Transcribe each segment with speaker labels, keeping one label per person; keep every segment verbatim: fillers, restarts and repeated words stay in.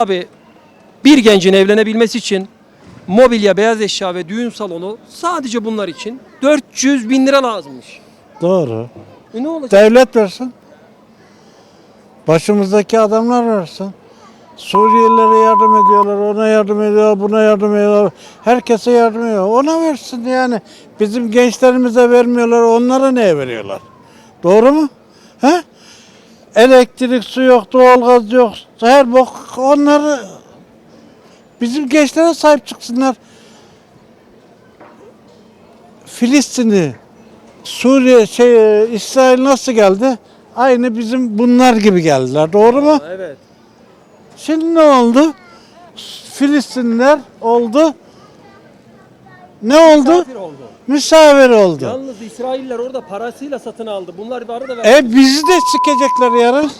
Speaker 1: Abi bir gencin evlenebilmesi için mobilya, beyaz eşya ve düğün salonu sadece bunlar için dört yüz bin lira lazımmış.
Speaker 2: Doğru.
Speaker 1: E ne olacak?
Speaker 2: Devlet versin. Başımızdaki adamlar versin. Suriyelilere yardım ediyorlar, ona yardım ediyorlar, buna yardım ediyorlar. Herkese yardım ediyor. Ona versin yani. Bizim gençlerimize vermiyorlar, onlara neye veriyorlar? Doğru mu? He? Elektrik, su yok, doğalgaz yok. Her bok onları bizim gençlere sahip çıksınlar. Filistin'i, Suriye, şey, İsrail nasıl geldi? Aynı bizim bunlar gibi geldiler. Doğru mu?
Speaker 1: Evet.
Speaker 2: Şimdi ne oldu? Filistinler oldu. Ne oldu?
Speaker 1: Misafir oldu.
Speaker 2: Misafir oldu.
Speaker 1: Yalnız İsrailler orada parasıyla satın aldı. Bunlar bir arada verdi.
Speaker 2: E bizi de sikecekler yarın.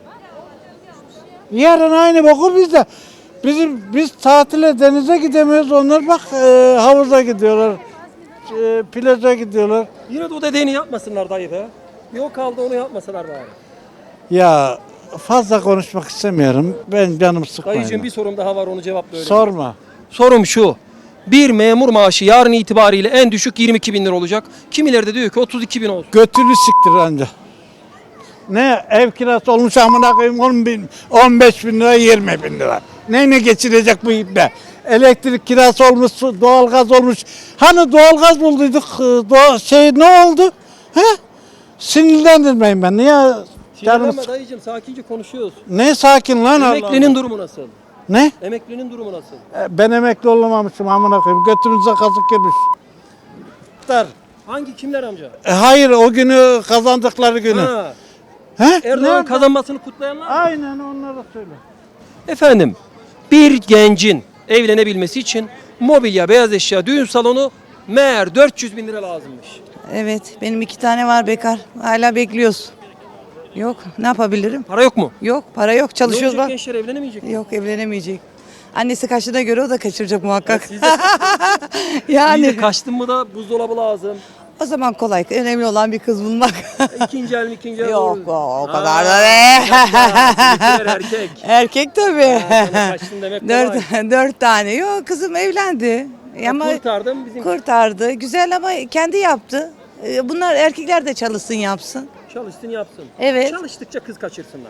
Speaker 2: Yarın aynı boku bizde. Bizim biz tatile denize gidemiyoruz. Onlar bak e, havuza gidiyorlar. E, plaja gidiyorlar.
Speaker 1: Yine de o dediğini yapmasınlar dayı be. Yok kaldı onu yapmasalar bari.
Speaker 2: Ya fazla konuşmak istemiyorum. Ben canım sıkmayın.
Speaker 1: Dayıcığım bir sorum daha var onu cevapla öyle.
Speaker 2: Sorma.
Speaker 1: Sorum şu. Bir memur maaşı yarın itibariyle en düşük yirmi iki bin lira olacak. Kimileri de diyor ki otuz iki bin olsun.
Speaker 2: Götünü siktir anca. Ne ev kirası olmuş amına koyayım on bin, on beş bin lira, yirmi bin lira. Neyle geçirecek bu iple? Elektrik kirası olmuş, su- doğalgaz olmuş. Hani doğalgaz bulduyduk, e, doğa, şey ne oldu? He? Sinirlendirmeyin ben. Niye? Canım
Speaker 1: Sinirlenme
Speaker 2: sık-
Speaker 1: dayıcığım sakince konuşuyoruz.
Speaker 2: Ne sakin lan Allah
Speaker 1: Emeklinin
Speaker 2: Allah.
Speaker 1: durumu nasıl?
Speaker 2: Ne?
Speaker 1: Emeklinin durumu nasıl?
Speaker 2: E, Ben emekli olamamışım amına koyayım. Götünüze kazık girmiş. Dar.
Speaker 1: Hangi kimler amca?
Speaker 2: E, hayır o günü kazandıkları günü.
Speaker 1: Ha,
Speaker 2: He?
Speaker 1: Erdoğan
Speaker 2: Nerede?
Speaker 1: kazanmasını kutlayanlar mı?
Speaker 2: Aynen onlara söyle.
Speaker 1: Efendim bir gencin evlenebilmesi için mobilya, beyaz eşya, düğün salonu meğer dört yüz bin lira lazımmış.
Speaker 3: Evet, benim iki tane var bekar. Hala bekliyoruz. Yok, ne yapabilirim?
Speaker 1: Para yok mu?
Speaker 3: Yok, para yok.
Speaker 1: Ne
Speaker 3: Çalışıyoruz
Speaker 1: olacak
Speaker 3: bak.
Speaker 1: gençler evlenemeyecek mi?
Speaker 3: Yok, evlenemeyecek. Annesi kaçtığına göre o da kaçıracak muhakkak.
Speaker 1: Siz de,
Speaker 3: Yani
Speaker 1: İyi de kaçtın mı da buzdolabı lazım.
Speaker 3: o zaman kolay. Önemli olan bir kız bulmak.
Speaker 1: İkinci el mi ikinci el
Speaker 3: Yok,
Speaker 1: doğru.
Speaker 3: o, o
Speaker 1: Ha,
Speaker 3: kadar da ne?
Speaker 1: bizimkiler erkek.
Speaker 3: Erkek tabii.
Speaker 1: Ha, sana kaçtın demek kolay.
Speaker 3: dört, dört tane. Yok, kızım evlendi. Ama
Speaker 1: Kurtardım bizim
Speaker 3: kurtardı. Güzel ama kendi yaptı. Ee, Bunlar erkekler de çalışsın yapsın.
Speaker 1: çalışsın yapsın.
Speaker 3: Evet.
Speaker 1: Çalıştıkça kız kaçırsınlar.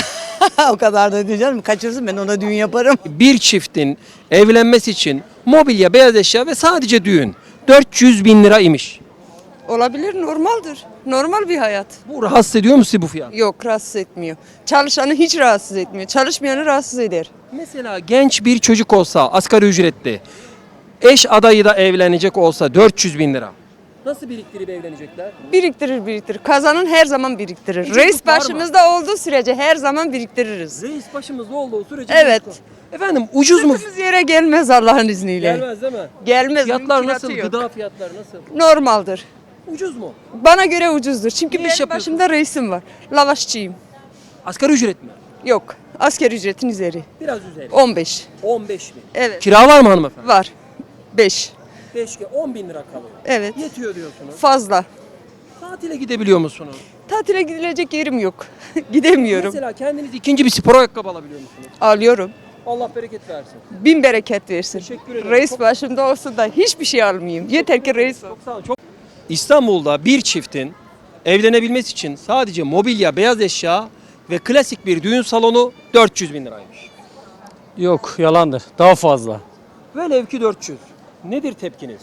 Speaker 3: O kadar da değil canım. Kaçırsın ben ona düğün yaparım.
Speaker 1: Bir çiftin evlenmesi için mobilya, beyaz eşya ve sadece düğün dört yüz bin lira imiş.
Speaker 4: Olabilir, normaldir. Normal bir hayat.
Speaker 1: Bu rahatsız ediyor mu sizi bu fiyat?
Speaker 4: Yok, rahatsız etmiyor. Çalışanı hiç rahatsız etmiyor. Çalışmayanı rahatsız eder.
Speaker 1: Mesela genç bir çocuk olsa asgari ücretli, eş adayı da evlenecek olsa dört yüz bin lira. Nasıl biriktirip evlenecekler?
Speaker 4: Biriktirir biriktirir. Kazanan her zaman biriktirir.
Speaker 1: Hiç
Speaker 4: Reis
Speaker 1: umut var mı?
Speaker 4: başımızda olduğu sürece her zaman biriktiririz.
Speaker 1: Reis başımızda olduğu sürece...
Speaker 4: Evet.
Speaker 1: Efendim ucuz mu?
Speaker 4: Sırtımız yere gelmez Allah'ın izniyle.
Speaker 1: Gelmez değil mi?
Speaker 4: Gelmez.
Speaker 1: Fiyatlar
Speaker 4: mümkünatı
Speaker 1: nasıl?
Speaker 4: yok.
Speaker 1: Gıda fiyatları nasıl?
Speaker 4: Normaldir.
Speaker 1: Ucuz mu?
Speaker 4: Bana göre ucuzdur. Çünkü
Speaker 1: Ne iş
Speaker 4: benim
Speaker 1: yapıyorsun?
Speaker 4: başımda reisim var. Lavaşçıyım.
Speaker 1: Asgari ücret mi?
Speaker 4: Yok. Asker ücretin üzeri.
Speaker 1: Biraz üzeri.
Speaker 4: on beş.
Speaker 1: on beş bin.
Speaker 4: Evet.
Speaker 1: Kira var mı hanımefendi?
Speaker 4: Var. beş.
Speaker 1: beş ki on bin lira kalıyor.
Speaker 4: Evet.
Speaker 1: Yetiyor diyorsunuz.
Speaker 4: Fazla.
Speaker 1: Tatile gidebiliyor musunuz?
Speaker 4: Tatile gidilecek yerim yok. Gidemiyorum.
Speaker 1: Mesela kendiniz ikinci bir spor ayakkabı alabiliyor musunuz?
Speaker 4: Alıyorum.
Speaker 1: Allah bereket versin.
Speaker 4: Bin bereket versin.
Speaker 1: Teşekkür ederim.
Speaker 4: Reis
Speaker 1: Çok-
Speaker 4: başımda olsun da hiçbir şey almayayım. Yeter ki reis ol.
Speaker 1: Çok sağ olun. Çok... İstanbul'da bir çiftin evlenebilmesi için sadece mobilya, beyaz eşya ve klasik bir düğün salonu dört yüz bin liraymış.
Speaker 5: Yok, yalandır. Daha fazla.
Speaker 1: Velev ki dört yüz. Nedir tepkiniz?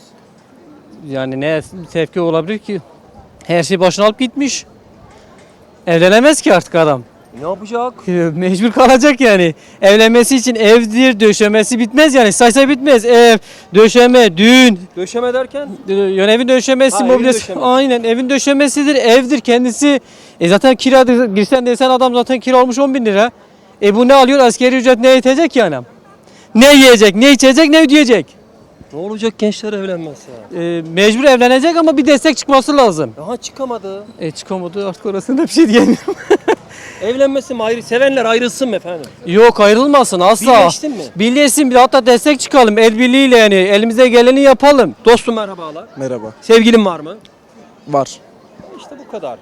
Speaker 5: Yani ne tepki olabilir ki? Her şey başına alıp gitmiş. Evlenemez ki artık adam.
Speaker 1: Ne yapacak?
Speaker 5: Mecbur kalacak yani. Evlenmesi için evdir, döşemesi bitmez yani. Saysa bitmez. Ev, döşeme, düğün,
Speaker 1: Döşeme derken?
Speaker 5: yani evin döşemesi,
Speaker 1: Ha, evin
Speaker 5: mobilyası.
Speaker 1: döşemesi.
Speaker 5: Aynen, evin döşemesidir, evdir kendisi. E zaten kira girsen desen adam zaten kira olmuş on bin lira. E bu ne alıyor? Asgari ücret ne yetecek yani? Ne yiyecek, ne içecek, ne ödeyecek?
Speaker 1: Ne olacak gençler evlenmezse?
Speaker 5: E, mecbur evlenecek ama bir destek çıkması lazım.
Speaker 1: Daha çıkamadı.
Speaker 5: E çıkamadı artık orasında bir şey diyemiyorum.
Speaker 1: Evlenmesi mi ayrı? Sevenler ayrılsın mı efendim?
Speaker 5: Yok ayrılmasın asla.
Speaker 1: Birleştin mi?
Speaker 5: Birleşsin bir hatta destek çıkalım el birliğiyle yani elimize geleni yapalım.
Speaker 1: Dostum merhabalar.
Speaker 6: Merhaba.
Speaker 1: Sevgilin var mı?
Speaker 6: Var.
Speaker 1: İşte bu kadar.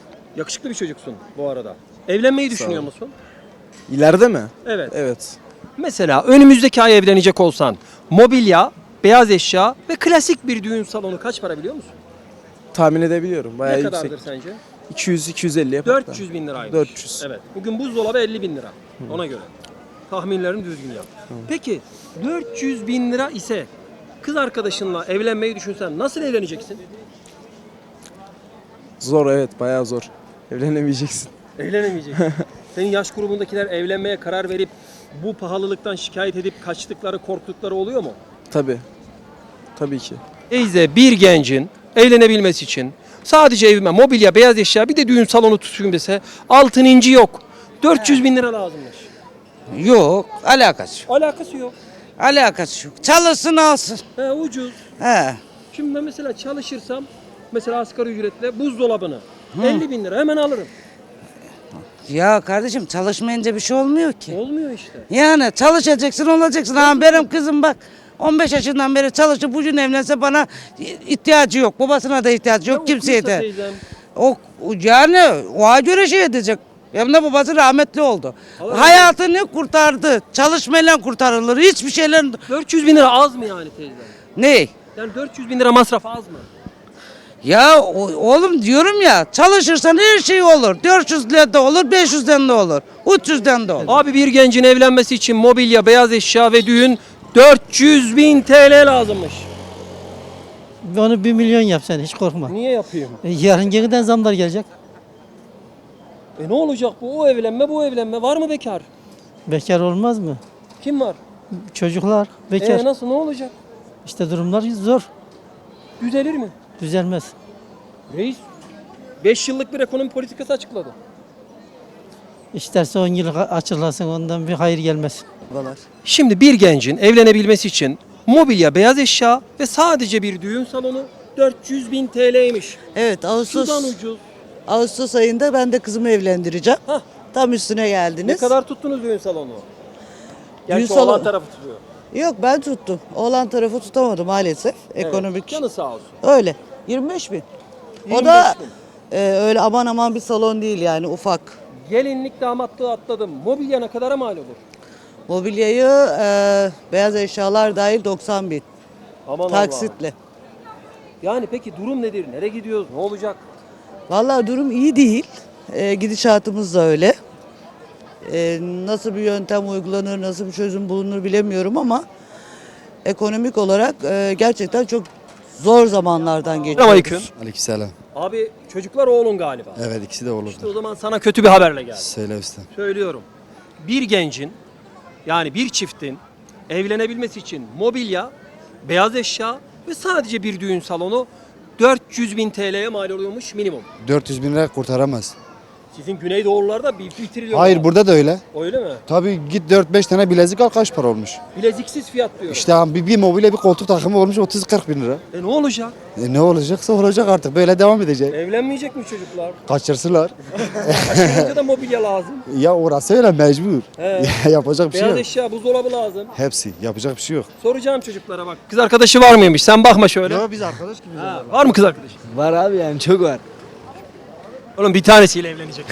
Speaker 1: Yakışıklı bir çocuksun bu arada. Evlenmeyi düşünüyor musun?
Speaker 6: İleride mi?
Speaker 1: Evet.
Speaker 6: Evet.
Speaker 1: Mesela önümüzdeki ay evlenecek olsan mobilya, beyaz eşya ve klasik bir düğün salonu kaç para biliyor musun?
Speaker 6: Tahmin edebiliyorum. Bayağı
Speaker 1: Ne
Speaker 6: yüksek.
Speaker 1: kadardır sence?
Speaker 6: iki yüz iki yüz elli yapar.
Speaker 1: dört yüz bin liraymış.
Speaker 6: dört yüz.
Speaker 1: Evet. Bugün buzdolabı elli bin lira. Ona göre. Tahminlerini düzgün yap. Peki dört yüz bin lira ise kız arkadaşınla evlenmeyi düşünsen nasıl evleneceksin?
Speaker 6: Zor, evet, bayağı zor. Evlenemeyeceksin.
Speaker 1: Evlenemeyeceksin. Senin yaş grubundakiler evlenmeye karar verip bu pahalılıktan şikayet edip kaçtıkları, korktukları oluyor mu?
Speaker 6: Tabii. Tabii ki.
Speaker 1: Teyze bir gencin evlenebilmesi için sadece evime mobilya, beyaz eşya bir de düğün salonu tutayım dese altın inci yok. dört yüz bin lira lazımmış.
Speaker 7: Yok, alakası yok.
Speaker 1: Alakası yok.
Speaker 7: Alakası yok. Çalışsın alsın.
Speaker 1: He, ucuz.
Speaker 7: He.
Speaker 1: Şimdi ben mesela çalışırsam mesela asgari ücretle buzdolabını elli bin lira hemen alırım.
Speaker 7: Ya kardeşim çalışmayınca bir şey olmuyor ki.
Speaker 1: Olmuyor işte.
Speaker 7: Yani çalışacaksın olacaksın. Ha, benim kızım bak on beş yaşından beri çalışıp bugün evlense bana ihtiyacı yok. Babasına da ihtiyacı yok, kimseye
Speaker 1: Okursa
Speaker 7: de.
Speaker 1: teyzem,
Speaker 7: O o- yani oğa göre şey edecek. Hem de babası rahmetli oldu.
Speaker 1: Allah
Speaker 7: Hayatını kurtardı. Çalışmayla kurtarılır. Hiçbir şeyler...
Speaker 1: dört yüz bin lira az mı yani teyzem?
Speaker 7: Ne?
Speaker 1: Yani dört yüz bin lira masraf az mı?
Speaker 7: Ya o- oğlum diyorum ya çalışırsan her şey olur. dört yüzden de olur, beş yüzden de olur. üç yüzden de olur.
Speaker 1: Abi bir gencin evlenmesi için mobilya, beyaz eşya ve düğün dört yüz bin T L lazımmış.
Speaker 8: Onu bir milyon yap sen hiç korkma.
Speaker 1: Niye yapayım?
Speaker 8: E, yarın yeniden zamlar gelecek.
Speaker 1: E ne olacak bu? O evlenme, bu evlenme. Var mı bekar?
Speaker 8: Bekar olmaz mı?
Speaker 1: Kim var?
Speaker 8: Çocuklar bekar.
Speaker 1: E nasıl, ne olacak?
Speaker 8: İşte durumlar zor.
Speaker 1: Düzelir mi?
Speaker 8: Düzelmez.
Speaker 1: Reis beş yıllık bir ekonomi politikası açıkladı.
Speaker 8: İsterse on yıl açılasın ondan bir hayır gelmez.
Speaker 1: Şimdi bir gencin evlenebilmesi için mobilya, beyaz eşya ve sadece bir düğün salonu dört yüz bin T L'ymiş.
Speaker 9: Evet, Ağustos
Speaker 1: Sudan ucuz.
Speaker 9: Ağustos ayında ben de kızımı evlendireceğim.
Speaker 1: Hah.
Speaker 9: Tam üstüne geldiniz.
Speaker 1: Ne kadar tuttunuz düğün salonu? Gerçi
Speaker 9: salonu-
Speaker 1: olan tarafı tutuyor.
Speaker 9: Yok, ben tuttum. Oğlan tarafı tutamadı maalesef.
Speaker 1: Evet,
Speaker 9: Ekonomik.
Speaker 1: canı sağ olsun.
Speaker 9: Öyle. yirmi beş bin.
Speaker 1: yirmi
Speaker 9: O da
Speaker 1: beş bin.
Speaker 9: e, öyle aman aman bir salon değil yani, ufak.
Speaker 1: Gelinlik damatlığı atladım. Mobilya ne kadara mal olur?
Speaker 9: Mobilyayı e, beyaz eşyalar dahil doksan bin.
Speaker 1: Aman
Speaker 9: Taksitle.
Speaker 1: Allah'ım. Yani peki durum nedir? Nereye gidiyoruz? Ne olacak?
Speaker 9: Vallahi durum iyi değil. E, gidişatımız da öyle. E, nasıl bir yöntem uygulanır, nasıl bir çözüm bulunur bilemiyorum ama ekonomik olarak e, gerçekten çok zor zamanlardan geçiyoruz.
Speaker 1: Selamünaleyküm.
Speaker 10: Aleykümselam.
Speaker 1: Abi çocuklar oğlun galiba.
Speaker 10: Evet, ikisi de
Speaker 1: İşte
Speaker 10: olurdu.
Speaker 1: o zaman sana kötü bir haberle geldim.
Speaker 10: Söyle usta.
Speaker 1: Söylüyorum. Bir gencin yani bir çiftin evlenebilmesi için mobilya, beyaz eşya ve sadece bir düğün salonu dört yüz bin T L'ye mal oluyormuş minimum.
Speaker 10: dört yüz bin lira kurtaramaz.
Speaker 1: Sizin Güneydoğulularda bir, bir trilyon
Speaker 10: Hayır,
Speaker 1: var.
Speaker 10: burada da öyle.
Speaker 1: Öyle mi?
Speaker 10: Tabii git dört beş tane bilezik al, kaç para olmuş?
Speaker 1: Bileziksiz fiyat diyor.
Speaker 10: İşte bir, bir mobilya, bir koltuk takımı olmuş otuz kırk bin lira.
Speaker 1: E ne olacak?
Speaker 10: E ne olacaksa olacak artık, böyle devam edecek.
Speaker 1: Evlenmeyecek mi çocuklar?
Speaker 10: Kaçırsınlar.
Speaker 1: Aşırınca da mobilya lazım.
Speaker 10: Ya orası öyle, mecbur.
Speaker 1: He.
Speaker 10: Yapacak bir şey
Speaker 1: Beyaz
Speaker 10: yok.
Speaker 1: eşya, buzdolabı lazım.
Speaker 10: Hepsi, yapacak bir şey yok.
Speaker 1: Soracağım çocuklara bak. Kız arkadaşı var mıymış? Sen bakma şöyle.
Speaker 10: Ya biz arkadaş gibiyiz.
Speaker 1: Ha, var mı kız arkadaşı?
Speaker 6: Var abi, yani çok var.
Speaker 1: Oğlum bir tanesiyle evlenecek.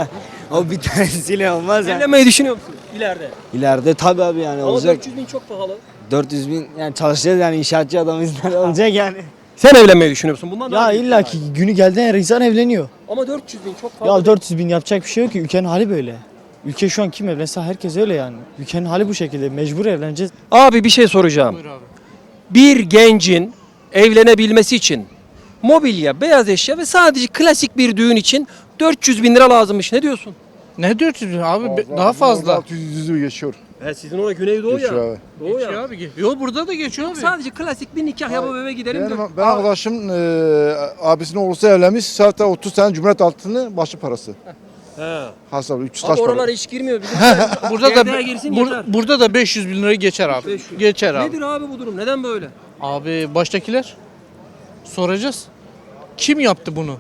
Speaker 6: O bir tanesiyle olmaz yani.
Speaker 1: Evlenmeyi düşünüyor musun ileride?
Speaker 6: İleride tabii abi yani
Speaker 1: Ama
Speaker 6: olacak.
Speaker 1: dört yüz bin çok pahalı.
Speaker 6: dört yüz bin yani çalışacağız yani, inşaatçı adamız olacak yani.
Speaker 1: Sen evlenmeyi düşünüyor musun? Bundan daha
Speaker 11: Ya
Speaker 1: büyük
Speaker 11: illa
Speaker 1: bir
Speaker 11: ki
Speaker 1: olay.
Speaker 11: günü geldiğinde her insan evleniyor.
Speaker 1: Ama dört yüz bin çok fazla.
Speaker 11: Ya dört yüz bin yapacak bir şey yok ki, ülkenin hali böyle. Ülke şu an kim evlense herkes öyle yani. Ülkenin hali bu şekilde, mecbur evleneceğiz.
Speaker 1: Abi bir şey soracağım. Bir gencin evlenebilmesi için mobilya, beyaz eşya ve sadece klasik bir düğün için dört yüz bin lira lazımmış. Ne diyorsun?
Speaker 12: Ne dört yüz bin abi be- daha fazla.
Speaker 10: altı yüzü geçiyor.
Speaker 1: He, sizin orada Güneydoğu ya.
Speaker 10: Geçiyor abi.
Speaker 1: Doğu ya.
Speaker 12: Geçiyor abi. ge- Yo burada da geçiyor abi.
Speaker 1: Sadece klasik bir nikah yapıp eve gidelim de.
Speaker 10: Ben arkadaşım e, abisinin oğlusu evlenmiş. Zaten otuz tane Cumhuriyet altını başı parası.
Speaker 1: He.
Speaker 10: Hasabı üç yüz
Speaker 1: Abi
Speaker 10: kaç para.
Speaker 1: oralara hiç girmiyor. Bizim
Speaker 12: burada da
Speaker 1: Gerdeğe girsin
Speaker 12: bur-
Speaker 1: yeter.
Speaker 12: burada da beş yüz bin lira geçer abi.
Speaker 1: beş yüz.
Speaker 12: Geçer abi.
Speaker 1: Nedir abi bu durum? Neden böyle?
Speaker 12: Abi baştakiler soracağız. Kim yaptı bunu?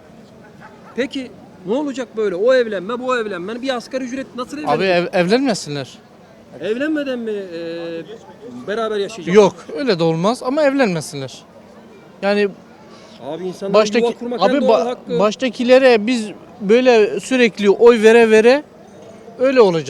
Speaker 1: Peki ne olacak böyle? O evlenme, bu evlenme. Bir asgari ücret nasıl evlenecek?
Speaker 12: Abi ev- evlenmesinler.
Speaker 1: Evlenmeden mi e, beraber yaşayacak?
Speaker 12: Yok öyle de olmaz ama evlenmesinler. Yani
Speaker 1: Abi insanların
Speaker 12: baştaki
Speaker 1: yuva kurmak
Speaker 12: abi
Speaker 1: en doğal
Speaker 12: ba-
Speaker 1: hakkı.
Speaker 12: baştakilere biz böyle sürekli oy vere vere öyle olacağız.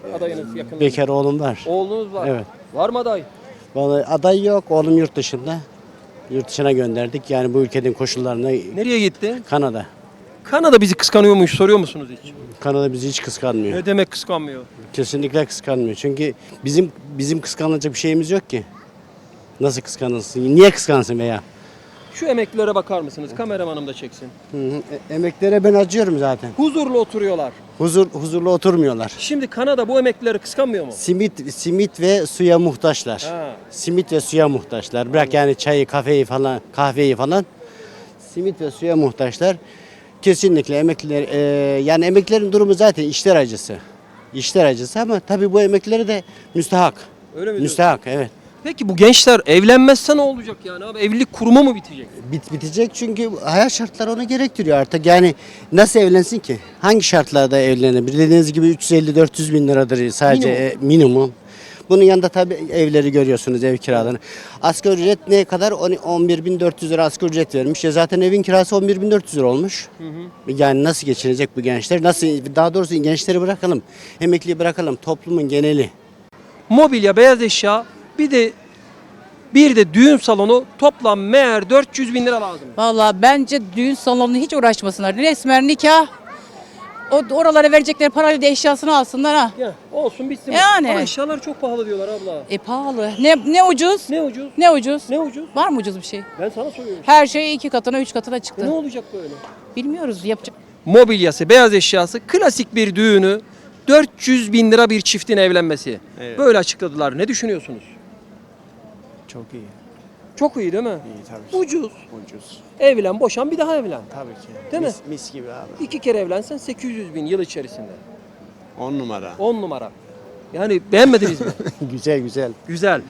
Speaker 1: adayınız yakın?
Speaker 6: Bekar oğlum var.
Speaker 1: Oğlunuz var.
Speaker 6: Evet.
Speaker 1: Var mı aday?
Speaker 6: Vallahi aday yok. Oğlum yurt dışında. Yurt dışına gönderdik. Yani bu ülkenin koşullarına
Speaker 1: Nereye gitti?
Speaker 6: Kanada.
Speaker 1: Kanada bizi kıskanıyormuş, soruyor musunuz hiç?
Speaker 6: Kanada bizi hiç kıskanmıyor.
Speaker 1: Ne demek kıskanmıyor?
Speaker 6: Kesinlikle kıskanmıyor. Çünkü bizim bizim kıskanılacak bir şeyimiz yok ki. Nasıl kıskanılsın? Niye kıskansın veya?
Speaker 1: Şu emeklilere bakar mısınız? Kameramanım da çeksin.
Speaker 6: Hı hı. E- emeklere ben acıyorum zaten.
Speaker 1: Huzurlu oturuyorlar.
Speaker 6: Huzur huzurlu oturmuyorlar.
Speaker 1: Şimdi Kanada bu emeklileri kıskanmıyor mu?
Speaker 6: Simit simit ve suya muhtaçlar.
Speaker 1: Ha.
Speaker 6: Simit ve suya muhtaçlar. Bırak yani çayı, kafeyi falan, kahveyi falan. Simit ve suya muhtaçlar. Kesinlikle emekliler e, yani emeklilerin durumu zaten işler acısı. İşler acısı ama tabii bu emeklileri de müstahak.
Speaker 1: Öyle mi diyorsun?
Speaker 6: Müstahak evet.
Speaker 1: Peki bu gençler evlenmezse ne olacak yani abi? Evlilik kurumu mu bitecek?
Speaker 6: Bit bitecek çünkü hayat şartları onu gerektiriyor artık. Yani nasıl evlensin ki? Hangi şartlarda evlenebilir? Dediğiniz gibi üç yüz elli dört yüz bin liradır sadece
Speaker 1: Minimum.
Speaker 6: minimum. minimum. Bunun yanında tabii evleri görüyorsunuz, ev kiralarını. Asgari ücret ne kadar? on bir bin dört yüz lira asgari ücret vermiş. Ya zaten evin kirası on bir bin dört yüz lira olmuş. Yani nasıl geçinecek bu gençler? Nasıl, daha doğrusu gençleri bırakalım, emekliyi bırakalım, toplumun geneli.
Speaker 1: Mobilya, beyaz eşya, bir de bir de düğün salonu toplam meğer dört yüz bin lira lazım.
Speaker 3: Vallahi bence düğün salonuna hiç uğraşmasınlar. Resmen nikah. O oralara verecekleri parayla da eşyasını alsınlar ha.
Speaker 1: Ya olsun bitsin.
Speaker 3: Yani.
Speaker 1: Ama eşyalar çok pahalı diyorlar abla.
Speaker 3: E pahalı. Ne ne ucuz?
Speaker 1: Ne ucuz?
Speaker 3: Ne ucuz?
Speaker 1: Ne ucuz?
Speaker 3: Var mı ucuz bir şey?
Speaker 1: Ben sana soruyorum.
Speaker 3: Her şey iki katına, üç katına
Speaker 1: Ne
Speaker 3: çıktı.
Speaker 1: olacak böyle?
Speaker 3: Bilmiyoruz. Yapacak.
Speaker 1: Mobilyası, beyaz eşyası, klasik bir düğünü dört yüz bin lira bir çiftin evlenmesi.
Speaker 6: Evet.
Speaker 1: Böyle açıkladılar. Ne düşünüyorsunuz?
Speaker 6: Çok iyi.
Speaker 1: Çok iyi değil mi?
Speaker 6: İyi tabii.
Speaker 1: Ucuz.
Speaker 6: Ucuz.
Speaker 1: Evlen, boşan, bir daha evlen.
Speaker 6: Tabii ki.
Speaker 1: Değil mi?
Speaker 6: mis, mis gibi abi.
Speaker 1: İki kere evlensen sekiz yüz bin yıl içerisinde.
Speaker 6: On numara.
Speaker 1: on numara. Yani beğenmediniz mi?
Speaker 6: Güzel güzel.
Speaker 1: Güzel.